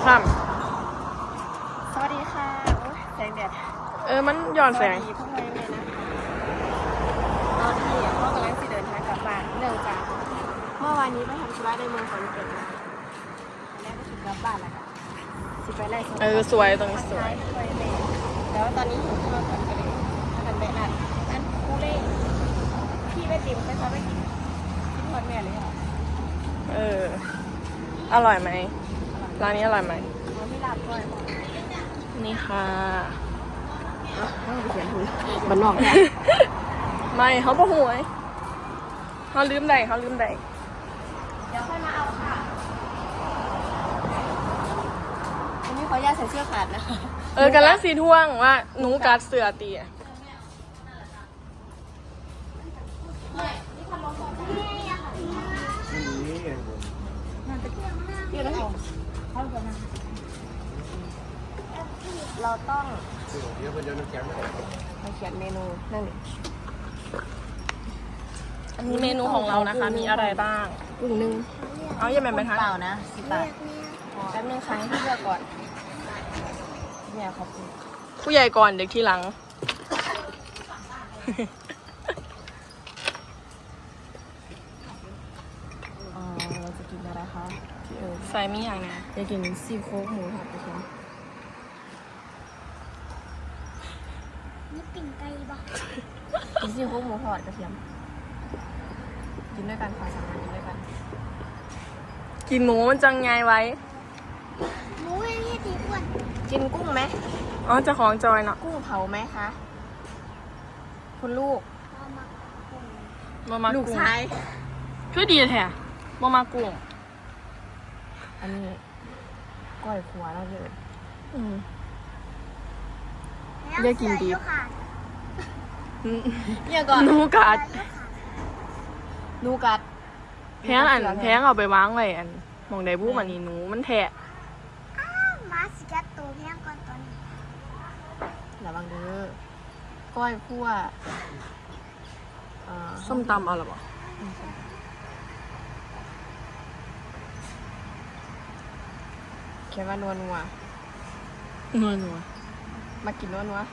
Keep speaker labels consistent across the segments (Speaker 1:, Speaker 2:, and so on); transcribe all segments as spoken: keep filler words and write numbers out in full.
Speaker 1: ซ้ำ
Speaker 2: สวัสดีค่ะโอ้ยแสงแดด
Speaker 1: เออมันย้อนแสง
Speaker 2: สวัสดีพวกเราเลยนะคะตอนนี้พ่อกำลังจะเดินทางกลับบ้านเนื่องจากเมื่อวานนี้ไปทำธุระในเมืองขอนแก่นมาแล้วก็ถึงกลับบ้านแล้วค่ะสิไปไล่สวน
Speaker 1: เออสวยตรงนี้สวย
Speaker 2: ไปแม่แต่ว่าตอนนี้หิวข้าวก่อนก็เลยทำแบบนั้นอันคูเล่พี่ไปติมไปซ้อมไปกินกินทอดแม่เลยเหรอ
Speaker 1: เอออร่อยไหมร้านนี้อร่อยไหม
Speaker 2: เขาไม่รับด้วย
Speaker 1: นี่ค่ะ
Speaker 2: เขาไปเขียนถุงมันนอกเนี่ย
Speaker 1: ไม่เขาบ่หวยเขาลืมใดเขาลืมใด
Speaker 2: เดี๋ยวค่อยมาเอาค่ะวันนี้ขออนุญาตใส่เสื้อขาดนะคะ
Speaker 1: เออกันลังสีท่วงว่าหนูกัดเสือตีอะ
Speaker 2: อยู่นะเราต้องมาเขียนเมนูนั่นเลย
Speaker 1: อันนี้เมนูของเรานะคะมีอะไรบ้าง
Speaker 2: กุ้งนึ่ง
Speaker 1: เอาอย่าแม่นไปทาง
Speaker 2: เปล่านะสิบบาทแป๊บนึงค่ะให้พี่เลือกก่อนเนี่ยขอบคุณ
Speaker 1: ผู้ใหญ่ก่อนเด็กที่หลัง
Speaker 2: อ่าเราจะกินอะไรคะพี่เอิญ
Speaker 1: ใส่มีอย่างนะ
Speaker 2: จะกินซี่โครงหมูผัดกระเทียม
Speaker 3: นี่ปิ่งไก่บ่
Speaker 2: กินซี่โครงหมูทอดกระเทียมกินด้วยกันค่ะสามารถกินด้วยกัน
Speaker 1: กินหมูมันจังไงไว้
Speaker 3: หมูยังที่ตีอ้วน
Speaker 2: กินกุ้งไหม
Speaker 1: อ๋อเจะของจอยเนาะ
Speaker 2: กุ้งเผาไหมคะคุณลูก
Speaker 3: เอามาปรุง
Speaker 1: มามา
Speaker 2: ลูก
Speaker 1: กุ้ง
Speaker 2: ชาย
Speaker 1: คือดีแท้มามากุ้ง
Speaker 2: อันนี้ก้อยขัวแล้วเลย
Speaker 1: อืม
Speaker 3: แล้ว
Speaker 1: เรียกกินดิบ
Speaker 3: เสือขาด
Speaker 2: เนี่ยก่อน
Speaker 1: หนูกัด
Speaker 3: เสือขาด
Speaker 2: นูกัด
Speaker 1: แพงอันแพงเอาไปวางไว้อันหมองใดบู้มันนี่หนูมันแทะ
Speaker 3: อ้าวหมาสิกัดตัวเพียงก่อนตอนนี้
Speaker 2: ระวังเด้อก้อยคั่วอ่า
Speaker 1: ส้มตำเอาหรอเปล่า
Speaker 2: เขียนว่านัวนัว
Speaker 1: นัวนัว
Speaker 2: มากินนัวนัว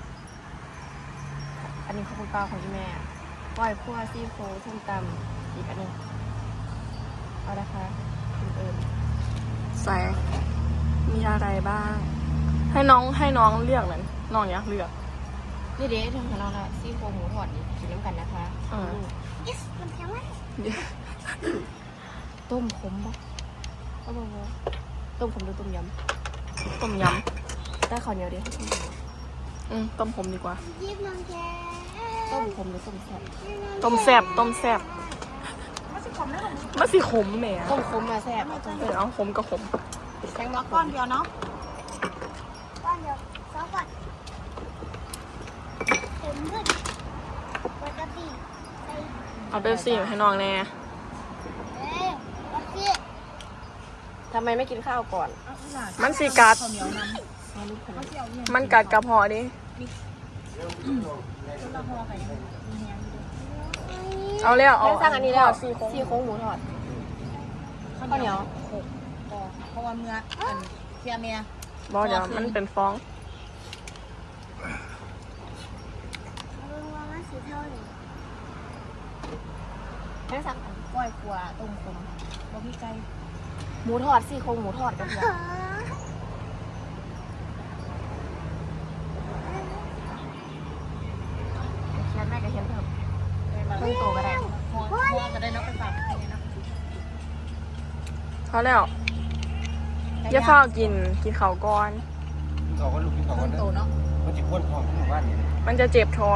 Speaker 2: อันนี้ของคุณป้าของคุณแม่ก้อยคั่วซี่โครงส้มตำอีกอันหนึงเอาละค่ะคุณเอิญ
Speaker 1: ใส่มีอะไรบ้าง ให้น้องให้น้องเลือกเลยน้องอยากเลือก
Speaker 2: นี่เด้ถึงของเราละซี่โครงหมูทอดนี่กินน้ำกันนะคะ
Speaker 1: อ่า
Speaker 3: อิสมันแพงไหม
Speaker 2: ต้มขมปะเอาบ่บ่ต้มขมหรือต้มย
Speaker 1: ต้มย
Speaker 2: ำได้ข้าวเหนียวดิ
Speaker 1: ำอืมต้มผมดีกว่า
Speaker 3: ยิบมันแพง
Speaker 2: ต้มขมหรือต้มแซ่บ
Speaker 1: ต้มแซ่บต้มแซ่บมันสิขมแหม่
Speaker 2: ต้มขมมาแซ่บเอาต้ม
Speaker 1: เออเอาขมกับขม
Speaker 2: แข็งมาก้อนเดียวเนาะ
Speaker 3: ก้อนเดียวสองก้อนเต็มขึ้นปกติใส่
Speaker 1: เอาเป๊ปซี่ให้น้องแน่
Speaker 3: เอ้ยปกติ
Speaker 2: ทำไมไม่กินข้าวก่อน
Speaker 1: มันสิกัด มันกัดกระเพาะดิ เอาแล้วเอา
Speaker 2: แม่สั่งอันนี้แล้ว
Speaker 1: ซี่โครง
Speaker 2: ซี่โครงหมูทอดข้าวเหนียว
Speaker 4: เพราะว่าเมื่ออันเทียเมีย
Speaker 1: บอกเดี๋ยวมันเป็นฟอง
Speaker 3: เอาลงมามันสีเท่าเลย
Speaker 2: แม่สั่งอัน
Speaker 4: ก้อยขัวต้มขมบ่มีไก่
Speaker 2: หมูทอดซี่โครงหมูทอดกันเถ
Speaker 3: เอ
Speaker 2: อะ
Speaker 3: อ
Speaker 2: เขียนแม่ก็เขียนเพิ่ม
Speaker 4: เลยมา
Speaker 2: เพิ่มโตก็ได้
Speaker 4: หัวหัวก็ได้เนาะไปฝากใครเนาะ
Speaker 1: พอแล้วอย่าเฝ้ากินกินเขาวก่อน
Speaker 5: เขาก็ลูกที่เขาก็
Speaker 4: เพิ่มโตเนาะ
Speaker 5: มันจะพ่นทองที่หมู่บ้านนี่
Speaker 1: มันจะเจ็บท้อง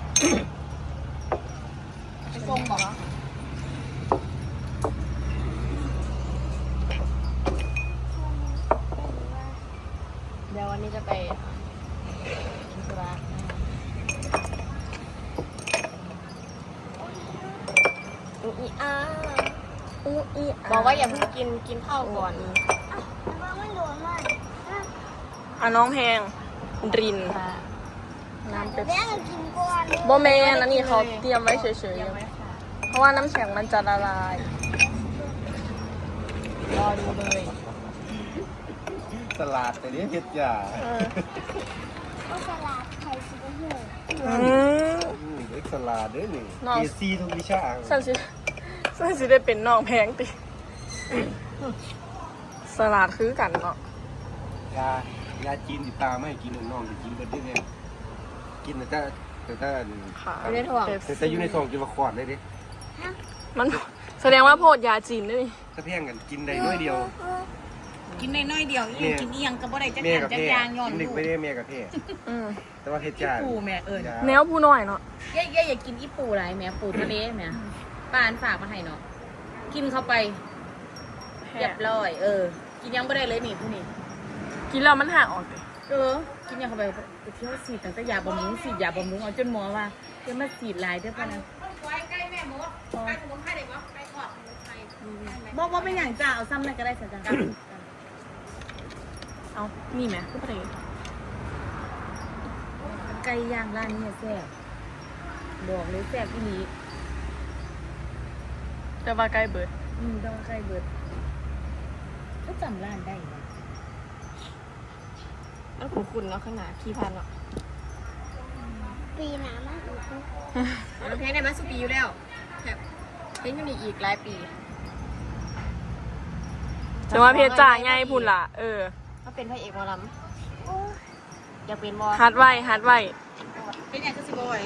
Speaker 4: ไปส่งบอกเหรอ
Speaker 2: เดี๋ยววันนี้จะไปกินสุราอุอีอา
Speaker 1: อูอี
Speaker 2: บอกว่าอย่าเพิ่งกินกินข้าวก่อน
Speaker 3: อ่ะแต่ว่ามันโดนมากอ่ะ
Speaker 1: อ่ะน้องแพงริน
Speaker 2: ค่ะ
Speaker 1: น้ำ
Speaker 3: เดี๋
Speaker 1: เป๊
Speaker 3: ยว
Speaker 1: ป
Speaker 3: แม่
Speaker 1: ซี่
Speaker 3: งกินก่อน
Speaker 1: โบแมนอันนี้เขาเตรียมไว้เฉย
Speaker 2: เดี๋ยวไว้ค่ะ
Speaker 1: ๆ เพราะว่าน้ำแข็งมันจะละลาย
Speaker 2: รอดูเลย
Speaker 5: สลัดแต่นี้เฮ็ดยา
Speaker 1: เออ
Speaker 3: ก็สลัดไข่ซุปเปอร์ฮีโร่
Speaker 1: อืม
Speaker 5: อืมเอ็กสลัดเด้อนี่
Speaker 1: น้อง
Speaker 5: เอซีทุกวิชา
Speaker 1: สันสิสันสิได้เป็นน้องแพงติ สลัดคือกันเนาะ
Speaker 5: ยายาจีนติดตามไม่กินน้องๆจะกินเบิดได้ไงกินแต่ถ้าแต่ถ้า
Speaker 1: ค่ะ
Speaker 2: ไม่ได้ถ่วง
Speaker 5: แต่แต่อยู่ในท้องกินว่าขวดเลยดิ
Speaker 1: มันแสดงว่าโพดยาจีนด้วยนี่
Speaker 5: ถ้าแพงกันกินได้น้อยเดียว
Speaker 4: กินได้น้อยเดียวอีหยังกินอีหยังก็บ่ได้จัก
Speaker 5: แม่
Speaker 4: อย่าง
Speaker 5: กับ
Speaker 4: จัก
Speaker 5: แพ่
Speaker 4: อย่างย้อน
Speaker 5: กินหนึ่
Speaker 4: ลู
Speaker 5: ง
Speaker 4: ก
Speaker 5: ไม่ได้แม่กับแพ่
Speaker 1: อืม
Speaker 5: แต่ว่าเฮ็ดยา
Speaker 4: ปูแม่เอิ้น
Speaker 5: ยา
Speaker 1: แนวผู้น้อยเนาะ
Speaker 2: เย่เย่อย่ากินอีปูไรแม่ปูทะเลแม่ป้าอันฝากมาให้เนาะกินเข้าไปเรียบร้อย เออ กินยังไม่ได้เลยนี่ผู้นี่
Speaker 1: กินแล้วมันห่างออกเลย
Speaker 2: เออ กินยังเข้าไปไปเที่ยวสีดตั้งแต่ยาบำรุงสีดยาบำรุงเอาจนหมอว่าจะมาสีดลายเด้อป่ะนะใกล้แม่มดใกล้ขนมไข่ได้บ่ใกล้ทอดขนมไข่บอกว่าเป็นอย่างจ้าเอาซ้ำนั่นก็ได้สักจ้า
Speaker 1: เอานี่ไหมคือประเด็น
Speaker 2: ไก่ย่างร้านนี้แซ่บบอกเลยแซ่บอีนี้
Speaker 1: แต่ว่าใกล้เบิด
Speaker 2: อืมต้องไก่เบิดก็จำร้านได้นะ
Speaker 1: แล้วคุณคุณเนาะข้างหน้าขี้พันเนาะ
Speaker 3: ปีหน้ามาอีกนะ
Speaker 2: เราเพลงได้มาสุปีอยู่แล้วแบบเพลงอยู่นี่อีกหลายปี
Speaker 1: แต่ว่าเพชรจ่าง่ายพุ่นล่ะ เออ
Speaker 2: เขาเป็นพระเอกหมอล
Speaker 3: โอ้ย
Speaker 2: ำอยากเป็นบอ
Speaker 1: ฮัดไว้ฮัดไว้
Speaker 2: เป็นอย่างก็สิบอย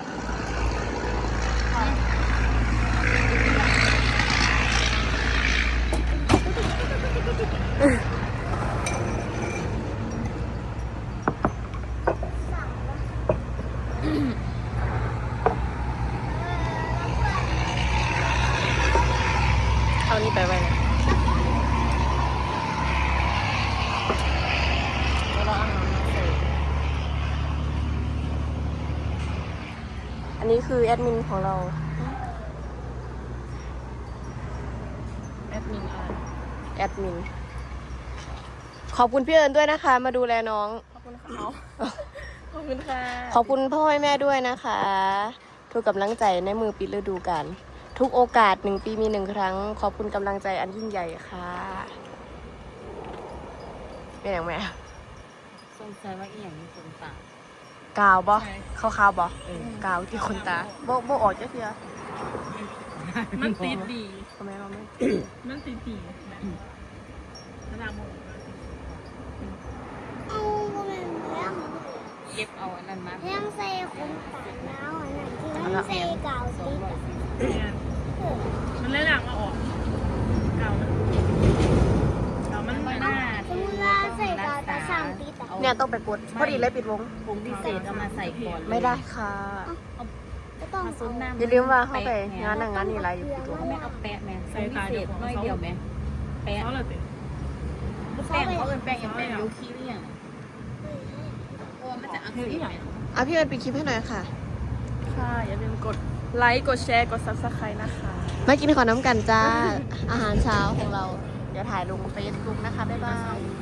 Speaker 1: เอานี่ไปไว้นะ
Speaker 2: แล้วเราเอาน้ำมาใส่
Speaker 1: อันนี้คือแอดมินของเรา
Speaker 2: แอดมินอะไร
Speaker 1: แอดมิน ขอบคุณพี่เอิญด้วยนะคะ มาดูแลน้อง
Speaker 2: ขอบคุณค่ะขอบคุณค่ะ
Speaker 1: ขอบคุณพ่อแม่ด้วยนะคะ ทุกกำลังใจในมือปิดฤดูกาลทุกโอกาสหนึ่งปีมีหนึ่งครั้ง ขอบคุณกำลังใจอันยิ่งใหญ่ค่ะเป็นอย่างไร
Speaker 2: สงสัยว่าอีหยังมีคนตาก
Speaker 1: าวบ่เขาขาวบ่กาวที่คนตาบ่บ่ออกจะเสีย
Speaker 2: มันติดดี
Speaker 1: ทำไมเราไม่
Speaker 2: มันติดดีระดับหมด
Speaker 3: เอาก็เป็นเรื่อง
Speaker 2: เก็บเอาอันนั้นมา
Speaker 3: เรื่องใส่คนตากหนาวอันนั้นที่มันใส่กาวติดอะ
Speaker 2: มันเลยหลังมาออกเก่ามันเก่ามันหน้า
Speaker 3: สมมติว่าใส่กาวแต่สามติดอะ
Speaker 1: เนี่ยต้องไปกดพอดีเลยปิดวง
Speaker 2: ผงพิเศษเอามาใส่ก่อน
Speaker 1: ไม่ได้ค่ะ
Speaker 3: ก็ต้อง
Speaker 2: มาซุป
Speaker 3: เอา
Speaker 2: น้ำ
Speaker 1: อย่าลืมว่าเข้าไปงานหนังงานนี่ไรอยู่ปิดวง
Speaker 2: แม่เอาแปะแม่ผงพิเศษน้อยเดียวแม่แปะ
Speaker 6: เขาเลยติ
Speaker 2: แป้งเขาเอินแป้งอย่างแป้งยูคิหรือยังโอ้มันจะอักเสบไหม
Speaker 1: อ่ะพี่เอิญปิดคลิปให้หน่อยค่ะ
Speaker 6: ค่ะอย่าลืมกดไลค์ กดแชร์ กด ซับสไครต์นะคะ
Speaker 1: มากินขอน้ำกันจ้า อาหารเช้าของเรา เดี๋ยวถ่ายลงเฟซบุ๊กนะคะ บ๊ายบาย